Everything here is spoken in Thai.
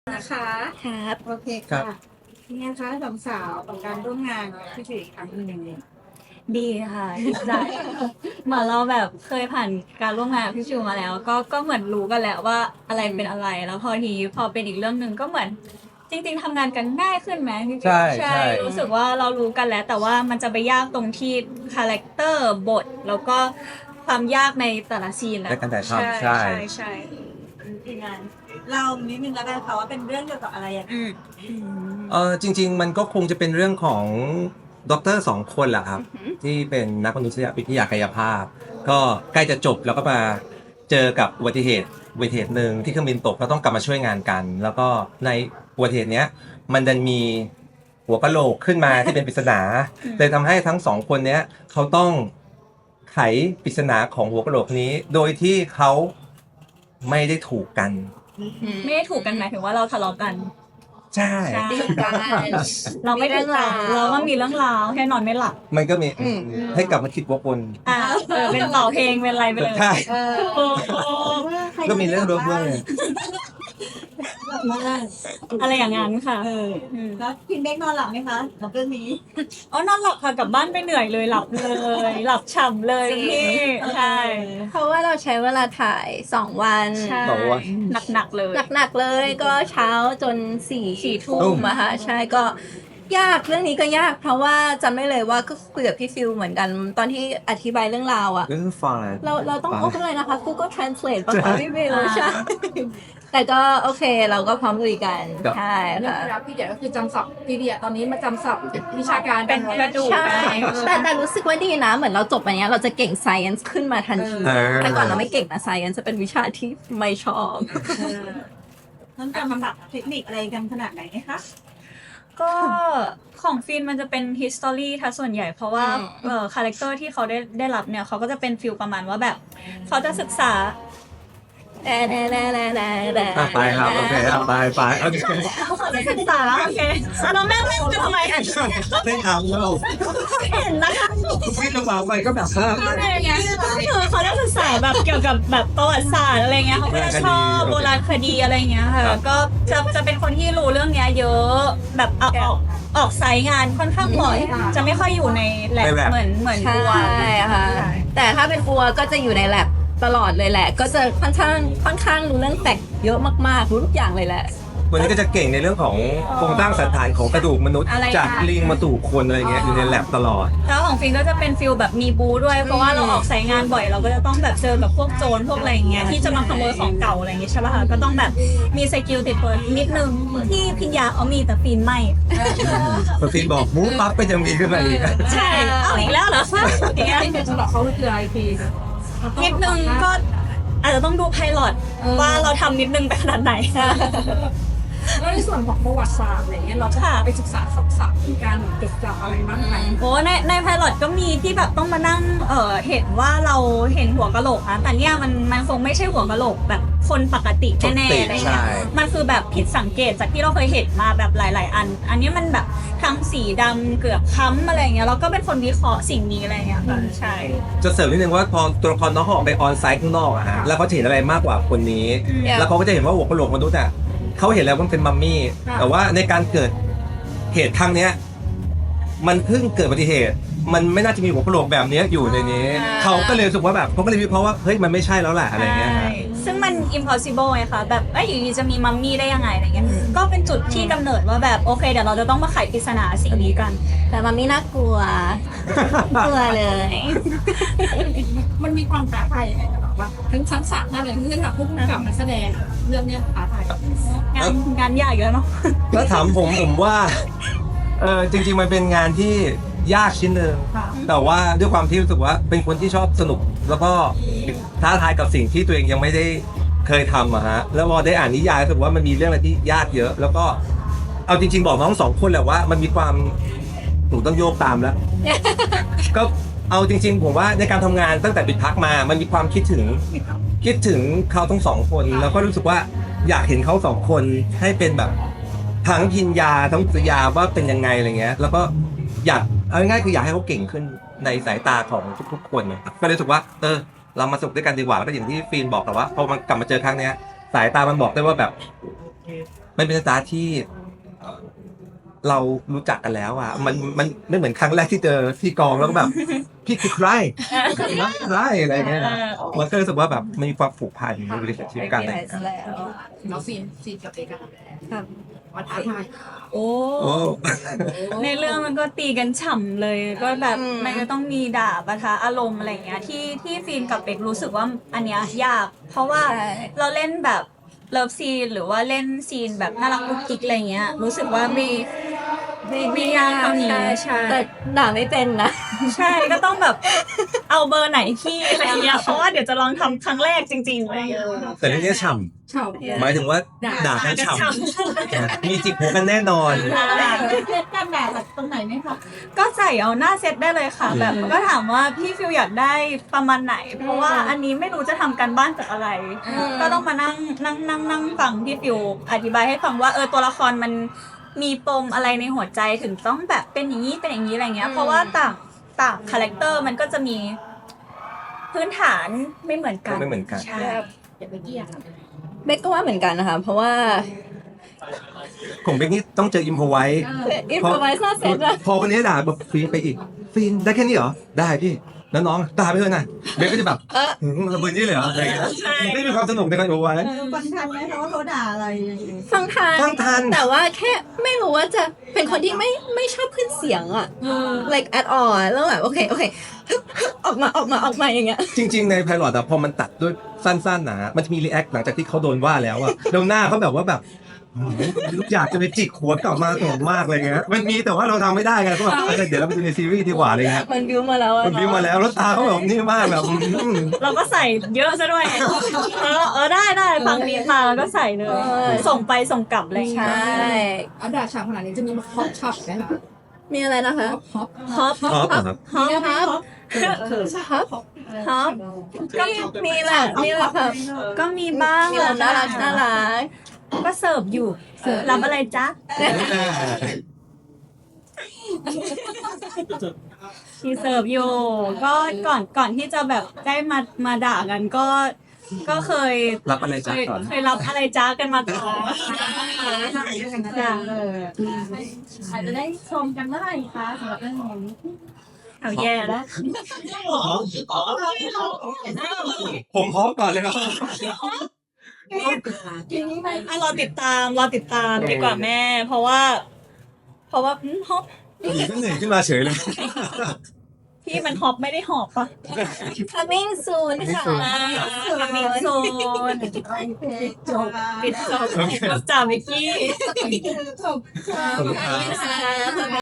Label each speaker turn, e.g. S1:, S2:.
S1: นะคะ
S2: ครับ
S1: โอเคค่ะเป็นไงคะสองสาวกับการร่วมงานกับพี่จุ๋ยอีกครั้งหนึ่ง
S2: ดีค่ะดีใจเหมือนเราแบบเคยผ่านการร่วมงานกับพี่ชิวมาแล้ว ก็เหมือนรู้กันแล้วว่าอะไรเป็นอะไรแล้วพอเป็นอีกเรื่องหนึ่งก็เหมือนจริงๆทำงานกันง่ายขึ้นไหมพี่จุ๋ย
S3: ใช่
S2: รู้สึกว่าเรารู้กันแล้ว แต่ว่ามันจะไปยากตรงที่คาแรคเตอร์บทแล้วก็ความยากในแต่ละซีนแหละ
S3: ในการถ่ายทำใช่
S2: ใช่ทีมงาน
S1: เรานิดนึงแล้วกันค่ะว่าเป็นเรื่องเกี่ยวกับอะไรอย่าง
S3: จริงๆมันก็คงจะเป็นเรื่องของด็อกเตอร์สองคนแหละครับที่เป็นนักมนุษยวิทยากายภาพ ก็ใกล้จะจบแล้วก็มาเจอกับอุบัติเหตุหนึ่งที่เครื่องบินตกแล้วต้องกลับมาช่วยงานกัน แล้วก็ในอุบัติเหตุเนี้ยมันดันมีหัวกะโหลกขึ้นมาที่เป็นปริศนาเลยทำให้ทั้งสองคนเนี้ยเขาต้องไขปริศนาของหัวกะโหลกนี้ โดยที่เขาไม่ได้ถูกกัน
S2: ไม่ได้ถูกกันหมายถึงว่าเราทะเลาะกัน
S3: ใช่
S2: เราไม่ถูกกันเราก็มีเรื่องราวแค่นอนไม่หลับ
S3: มันก็มีให้กลับมาคิดวกวน
S2: เป็นต่อเพลงเป็นอะไรไปเลย
S3: ใช่
S2: โอ้โห
S3: ก็มีเรื่องรบกวนเลย
S2: อะไรอย่างนั้นค่ะ
S1: แล้วพินเด็กนอนหลับไหมคะกับเรื่องนี้
S2: อ๋อนอนหลับค่ะกลับบ้านไปเหนื่อยเลยหลับเลยหลับฉ่ำเลยพี่ใช่
S4: เพราะว่าเราใช้เวลาถ่าย2 วัน
S2: ใช่
S3: บอกว่า
S2: หนักๆเลย
S4: หนักๆเลยก็เช้าจน4 ทุ่มอะค่ะใช่ก็ยากเรื่องนี้ก็ยาก เพราะว่าจำได้เลยว่าก็คุยกับพี่ฟิลเหมือนกันตอนที่อธิบายเรื่องราวอะ
S3: ก็คือฟังอะไร
S4: เราต้องโอ้อะไรนะคะ Google Translate ป่ะคะพี่ฟิลใช่แต่ก็โอเคเราก็พร้อมลุยกันใช่
S1: เรื่อง
S4: ค่ะ
S1: ราวพี่เดียก็คือจำศัพท์พี่เดียตอนนี้มาจำศัพท์วิชาการ
S2: เป็นกระดูก
S4: ใช่แต่รู้สึกว่าดีนะ เหมือนเราจบอันเนี้ยเราจะเก่ง science ขึ้นมาทันทีแต่ก่อนเราไม่เก่งนะ science จะเป็นวิชาที่ไม่ชอบ
S1: นั่นจำศัพท์เทคนิคอะไรกันขนาดไหนคะ
S2: ก็ของฟินมันจะเป็น history ถ้าส่วนใหญ่เพราะว่าคาแรคเตอร์ที่เขาได้รับเนี่ยเขาก็จะเป็นฟิลประมาณว่าแบบเขาจะศึกษา
S3: ไปครับโอเคไปโอเค
S2: เขาจะศึกษาโอเคเราแม่งเล่นกันทำไม
S3: ไม่ทำแล้ว
S2: เห็นนะคะ
S3: ไม่ระหว่างไปก็แบบเพิ่ม
S2: อะไรอย่างเงี้ยคือเขาจะศึกษาแบบเกี่ยวกับแบบประวัติศาสตร์อะไรเงี้ยเขาก็จะชอบโบราณคดีอะไรเงี้ยค่ะก็จะเป็นคนที่รู้เรื่องเนี้ยเยอะแบบออกไซต์งานค่อนข้างบ่อยจะไม่ค่อยอยู่ในแลบเหมือน
S4: ใช่
S2: บัว
S4: ค่ะแต่ถ้าเป็นบัวก็จะอยู่ในแลบตลอดเลยแหละ ก็จะค่อนข้างรู้เรื่องแตกเยอะมากๆรู้ทุกอย่างเลยแหละ
S3: วันนี้ก็จะเก่งในเรื่องของโครงสร้างสันฐานของกระดูกมนุษย์จากลิงมาสู่คนอะไรเงี้ยอยู่ในแลบตลอด
S2: แล้วของฟินก็จะเป็นฟิลแบบมีบูด้วยเพราะว่าเราออกไซต์งานบ่อยเราก็จะต้องแบบเจอแบบพวกโจรพวกอะไรอย่างเงี้ยที่จะมาขโมยของเก่าอะไรอย่างเงี้ยใช่ป่ะคะก็ต้องแบบมีสกิลติดตัวนิดนึงที่พิญญาเอามีแต่ฟินไม่
S3: พอฟินบอกมูปั๊บก็จะมีขึ้นมาอีก
S2: ใช่เอาอีกแล้วเหรอคะอย่างเงี้ย
S1: ที่เป็นฉบับเขาคืออะไรพี่
S2: นิดนึงก็อาจจะต้องดูไพลอตว่าเราทำนิดนึงไปขนาดไหน
S1: แล้วในส่วนของประวัติศาสตร์อะไรเงี้ยเราจะไปศึกษาศัพท์ในการจดจำอะไรบ้างไหม
S2: โอ้ในไพลอตก็มีที่แบบต้องมานั่งเห็นว่าเราเห็นหัวกะโหลกนะแต่เนี่ยมันคงไม่ใช่หัวกะโหลกแบบคนปกติแน่ๆอะไรเงี้ยมันคือแบบผิดสังเกตจากที่เราเคยเห็นมาแบบหลายๆอันนี้มันแบบทั้งสีดำเกือบค้ำอะไรเงี้ยแล้วก็เป็นคนวิเคราะห์สิ่งนี้อะไรเงี้ยค่ะใช่
S3: จะเสริมนิดนึงว่าพอตัวละครน้องเขาออกไปออนไซต์ข้างนอกอะฮะแล้วเขาจะเห็นอะไรมากกว่าคนนี้ แล้วเขาก็จะเห็นว่าหัวกะโหลกมนุษย์อะเขาเห็นแล้วว่ามันเป็นมัมมี่แต่ว่าในการเกิดเหตุครั้งเนี้ยมันเพิ่งเกิดอุบัติเหตุ มันไม่น่าจะมีหัวกะโหลกแบบนี้อยู่ในนี้เขาก็เลยรู้สึกว่าแบบเขาก็เลยวิเคราะห์ว่าเฮ้ยมันไม่ใช่แล้วแหละอะไรเงี้ยฮะ
S2: ซึ่งมัน impossible ไงคะแบบอยู่ดีจะมีมัมมี่ได้ยังไงอะไรเงี้ยก็เป็นจุดที่กำเนิดว่าแบบโอเคเดี๋ยวเราจะต้องมาไขปริศนาสิ่งนี้กัน
S4: แต่มันไม่น่ากลัว กลัวเลย
S1: มันมีความท้าทายยังไงแบบว่าทั้งชั้นศาสตร์นั่นเลยที่แบบผู้กำกับนักแสดงเรื่องเนี้ยท้าทาย
S2: งานยากอยู่แล้วเนาะ
S3: แล้วถามผมว่าจริงๆมันเป็นงานที่ยากชิ้นหนึ่งแต่ว่าด้วยความที่รู้สึกว่าเป็นคนที่ชอบสนุก แล้วก็ท้าทายกับสิ่งที่ตัวเองยังไม่ได้เคยทำอะฮะแล้วพอได้อ่านนิยายรู้สึกว่ามันมีเรื่องอะไรที่ยากเยอะ แล้วก็เอาจริงๆบอกน้องสองคนแหละว่ามันมีความหนูต้องโยกตามแล้ว ก็เอาจริงๆผมว่าในการทำงานตั้งแต่ปิดพักมามันมีความคิดถึงเขาทั้งสองคน แล้วก็รู้สึกว่าอยากเห็นเขาสองคนให้เป็นแบบทั้งพิญญาทั้งปริยาว่าเป็นยังไงอะไรเงี้ยแล้วก็อยากเอาง่ายๆคืออยากให้เขาเก่งขึ้นในสายตาของทุกๆคนนะครับก็เลยรู้สึกว่าเรามาสนุกด้วยกันดีกว่าแล้วก็อย่างที่ฟีนบอกแต่ว่าพอมันกลับมาเจอครั้งเนี้ยสายตามันบอกได้ว่าแบบมันเป็นสตาร์ที่เรารู้จักกันแล้วอ่ะมันไม่เหมือนครั้งแรกที่เจอที่กองแล้วก็แบบ พี่คือใครใครอะไรเงี้ยมันก็รู้สึกว่าแบบมันมีความผูกพันใน relationship กันอะไรเงี้ย
S4: แล้ว
S1: เราซีนกับเอกอะ
S4: ครับ
S1: ว่าท้าทาย
S2: โอ้
S3: โอ้
S2: ในเรื่องมันก็ตีกันฉ่ำเลยก็แบบมันก็ต้องมีด่าปะทะอารมณ์อะไรอย่างเงี้ยที่ฟีนกับเป็กรู้สึกว่าอันเนี้ยยาก เพราะว่าเราเล่นแบบเลิฟซีนหรือว่าเล่นซีนแบบน่ารักกุ๊กกิ๊กอะไรเงี้ยรู้สึกว่าไม่ยากเท่านี้ใช่
S4: แต่ด่าไม่เป็นนะ
S2: ใช่ก็ต้องแบบเอาเบอร์ไหนพี่อะไรเงี้ยเพราะว่าเดี๋ยวจะลองทำครั้งแรกจริงๆอะไรเงี้ย
S3: แต่เรื่องนี้ฉ่
S1: ชอบ
S3: ำหมายถึงว่าด่ากันฉ่ำมีจิกหัวกันแน่นอน
S1: เล่นกันแบบตรงไหนไหมคะ
S2: ก็ใส่เอาหน้าเซตได้เลยค่ะ แบบก็ถามว่าพี่ฟิลอยากได้ประมาณไหน เพราะว่าอันนี้ไม่รู้จะทำการบ้านจากอะไร ก็ต้องมานั่งฟังพี่ฟิลอธิบายให้ฟังว่าตัวละครมันมีปมอะไรในหัวใจถึงต้องแบบเป็นอย่างนี้เป็นอย่างนี้อะไรเงี้ย เพราะว่าต่างคาแรคเตอร์มันก็จะมีพื้นฐานไม่เหมือนกัน
S3: ไม่เหมือนกัน
S2: ใช่
S1: อย่าไปเกี่ยง
S4: เบกก็ว่าเหมือนกันนะคะเพราะว่า
S3: ของเบกนี่ต้องเจออิมพอไว้
S4: อินโฟไวซ์น่าเซตอะ
S3: พอคนนี้ด่าแบบฟีนไปอีกฟีนได้แค่นี้เหรอได้พี่แล้วน้องด่าไปเถอะนะเบกก็จะแบบระเบิดนี่เลยเหรออะไรอย่างเงี้ยไม่มีความสนุกในการอิมพอไว้
S1: ฟังทันไหมคะว่าเขาด่าอะไร
S4: ฟังทัน
S3: ฟังทัน
S4: แต่ว่าแค่ไม่รู้ว่าจะเป็นคนที่ไม่ชอบขึ้นเสียงอะ like at all แล้วแบบโอเคออกมาอย่างเงี้ย
S3: จริง ๆ ในไพลอตอะพอมันตัดด้วยสั้นๆนะมันจะมีรีแอคหลังจากที่เขาโดนว่าแล้วอะแล้วหน้าเขาแบบว่าแบบอยากจะไปจิกหัวกลับมาสนุกมากเลยเงี้ยมันมีแต่ว่าเราทำไม่ได้ไงก็แบบเดี๋ยวเราไปดูในซีรีส์ดีกว่าอะไรเงี้ย
S4: มันบิวมาแล้วอะ
S3: มันพิมพ์มาแล้วแล้วตาเขาแบบนี่มากแบบ
S2: เราก็ใส่เยอะซะด้วยได้ฟังนี้มาแล้วก็ใส่เลย ส่งไปส่งกลับอะไรอย่าง
S4: ใช่
S2: เงี้ย
S1: เอาด่าฉ่ำขนาดนี้จะมีฮอปช็อปไหมคะ
S4: มีอะไรนะคะ
S1: ฮอป
S2: ฮอป
S3: ท็อปครับ
S2: ฮอป
S4: ครับ
S2: ฮอป
S4: ก็มีแหละค่ะ
S2: ก็มีบ้าง
S4: มีแบบน่ารัก
S2: ก็เสิร์ฟอยู่รับอะไรจ๊ะมีเสิร์ฟอยู่ก็ก่อนที่จะแบบได้มาด่ากันก็เคย
S3: รับอะไรจ๊ะก่อน
S2: เคยรับอะไรจ้ากันมาก่อนจ้ะ
S1: อาจจะได้ชมกันเมื่อไหร่คะสำหรับเรื่องนี้
S2: เอาแย่แล้ว
S3: ผมพร้อมก่อนเลยครับ
S2: รอติดตามดีกว่าแม่ เพราะว่าฮอป
S3: ก็เหนื่อยขึ้นมาเฉยเลย
S2: พี่มันฮอปไม่ได้หอบปะ
S4: coming soon ค่ะ
S2: มิกโซนปิดจบจ้ามิกกี้
S1: จบ
S3: ขอบคุณครับ
S4: ค่ะ